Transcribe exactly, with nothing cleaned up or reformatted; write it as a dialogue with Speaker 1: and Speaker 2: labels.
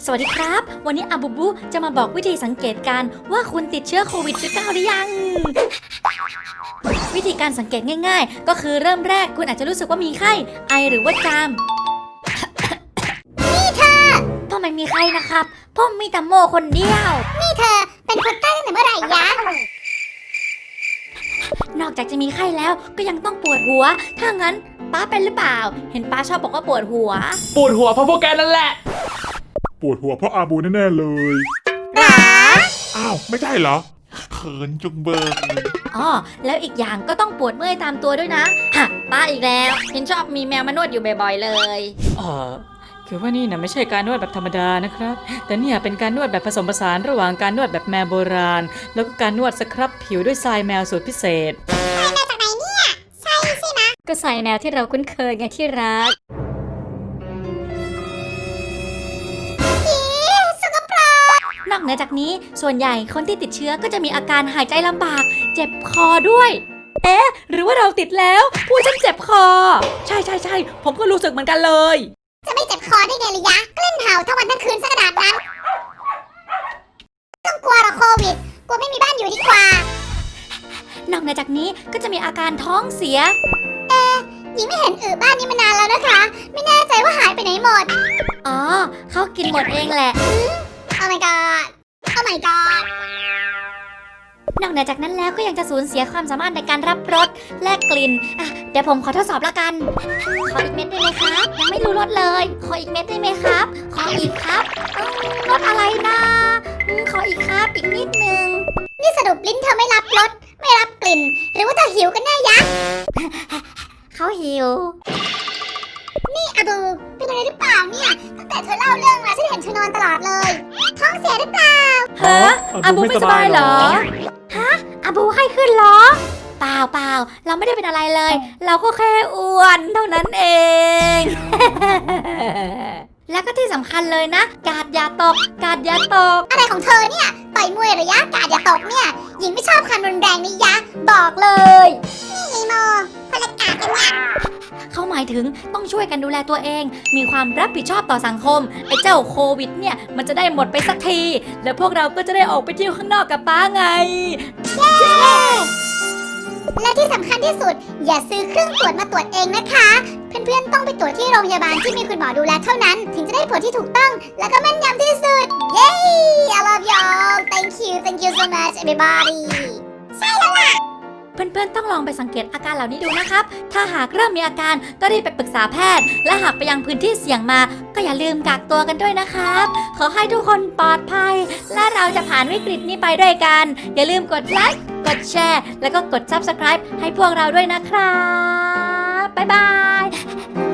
Speaker 1: สวัสดีครับวันนี้อาบูบูจะมาบอกวิธีสังเกตการว่าคุณติดเชื้อโควิด สิบเก้า หรือยังวิธีการสังเกตง่ายๆก็คือเริ่มแรกคุณอาจจะรู้สึกว่ามีไข้ไอหรือว่าจาม
Speaker 2: นี่เธอ
Speaker 1: พ่อไม่มีไข้นะครับพ่อมีแต่โมคนเดียว
Speaker 2: นี่เธอเป็นคนใต้ตั้งแต่เมื่อไหร่ยะ
Speaker 1: นอกจากจะมีไข้แล้วก็ยังต้องปวดหัวถ้างั้นป้าเป็นหรือเปล่าเห็นป้าชอบบอกว่าปวดหัว
Speaker 3: ปวดหัวเพราะพวกแกนั่นแหละ
Speaker 4: ปวดหัวเพราะอาบูแน่ๆเลย
Speaker 2: หรอ
Speaker 4: อ้าวไม่ใช่เหรอ
Speaker 3: เขินจุงเบิก
Speaker 1: อ๋อแล้วอีกอย่างก็ต้องปวดเมื่อยตามตัวด้วยนะฮะป้าอีกแล้วเห็นชอบมีแมวมานวดอยู่บ่อยๆเลย
Speaker 5: อ๋อคือว่านี่นะไม่ใช่การนวดแบบธรรมดานะครับแต่เนี่ยเป็นการนวดแบบผสมผสานระหว่างการนวดแบบแมวโบราณแล้วก็การนวดสครับผิวด้วยทรายแมวสูตรพิเศษ
Speaker 2: ทรายแมวจากไหนเนี่ยใช่ใช่ไหม
Speaker 1: ก็ทรายแมวที่เราคุ้นเคยไงที่รักนอกเหนือจากนี้ส่วนใหญ่คนที่ติดเชื้อก็จะมีอาการหายใจลำบากเจ็บคอด้วยเอ๊ะหรือว่าเราติดแล้วพูดฉันเจ็บคอใช่ใช่ใช่ผมก็รู้สึกเหมือนกันเลย
Speaker 2: จะไม่เจ็บคอได้ไงล่ะยะกลิ้นเห่าทั้งวันทั้งคืนสักขนาดนั้นต้องกลัวหรอโควิดกลัวไม่มีบ้านอยู่ดีกว่าน
Speaker 1: อกเหนือจากนี้ก็จะมีอาการท้องเสีย
Speaker 2: เอ๊ะหญิงไม่เห็นอือบ้านนี้มานานแล้วนะคะไม่แน่ใจว่าหายไปไหนหมด
Speaker 1: อ๋อเขากินหมดเองแหละ
Speaker 2: โอ้ my god โอ้ my god
Speaker 1: นอกเหนือจากนั้นแล้วก็ยังจะสูญเสียความสามารถในการรับรสและกลิ่นอ่ะเดี๋ยวผมขอทดสอบละกันขออีกเม็ดได้ไหมครับยังไม่รู้รสเลยขออีกเม็ดได้ไหมครับขออีกครับรสอะไรนะขออีกครับอีกนิดนึง
Speaker 2: นี่สรุปลิ้นเธอไม่รับรสไม่รับกลิ่นหรือว่าเธอหิวกันแน่ยะ
Speaker 1: เขาหิว
Speaker 2: นี่อาบูเป็นอะไรหรือเปล่าเนี่ยตั้งแต่เธอเล่าเรื่องมาฉันเห็นเธอนอนตลอดเลยท้องเสียหรือเปล่า
Speaker 1: ฮะอาบูไม่สบายเหรอฮะอาบูไข้ขึ้นเหรอเปล่าเปล่าเราไม่ได้เป็นอะไรเลยเราก็แค่อ้วนเท่านั้นเอง แล้วก็ที่สำคัญเลยนะกาดอย่าตกกาดอย่าตก
Speaker 2: อะไรของเธอเนี่ยต่อยมวยระยะกาดอย่าตกเนี่ยหญิงไม่ชอบคำรุนแรงนี่ยะบอกเลยนี่ไอโมคนละกาดกันเนี่ย
Speaker 1: เขาหมายถึงต้องช่วยกันดูแลตัวเองมีความรับผิดชอบต่อสังคมไอ้เจ้าโควิดเนี่ยมันจะได้หมดไปสักทีแล้วพวกเราก็จะได้ออกไปเที่ยวข้างนอกกับป้าไง
Speaker 2: เย้และที่สำคัญที่สุดอย่าซื้อเครื่องตรวจมาตรวจเองนะคะเพื่อนๆต้องไปตรวจที่โรงพยาบาลที่มีคุณหมอดูแลเท่านั้นถึงจะได้ผลที่ถูกต้องและก็แม่นยำที่สุดเย้ I love y'all thank you thank you so much everybody ใช่แล้วล่ะ
Speaker 1: เพื่อนๆต้องลองไปสังเกตอาการเหล่านี้ดูนะครับถ้าหากเริ่มมีอาการก็รีบไปปรึกษาแพทย์และหากไปยังพื้นที่เสี่ยงมาก็อย่าลืมกักตัวกันด้วยนะครับขอให้ทุกคนปลอดภัยและเราจะผ่านวิกฤตนี้ไปด้วยกันอย่าลืมกดไลค์กดแชร์แล้วก็กด ซับสไครบ์ ให้พวกเราด้วยนะครับบ๊ายบาย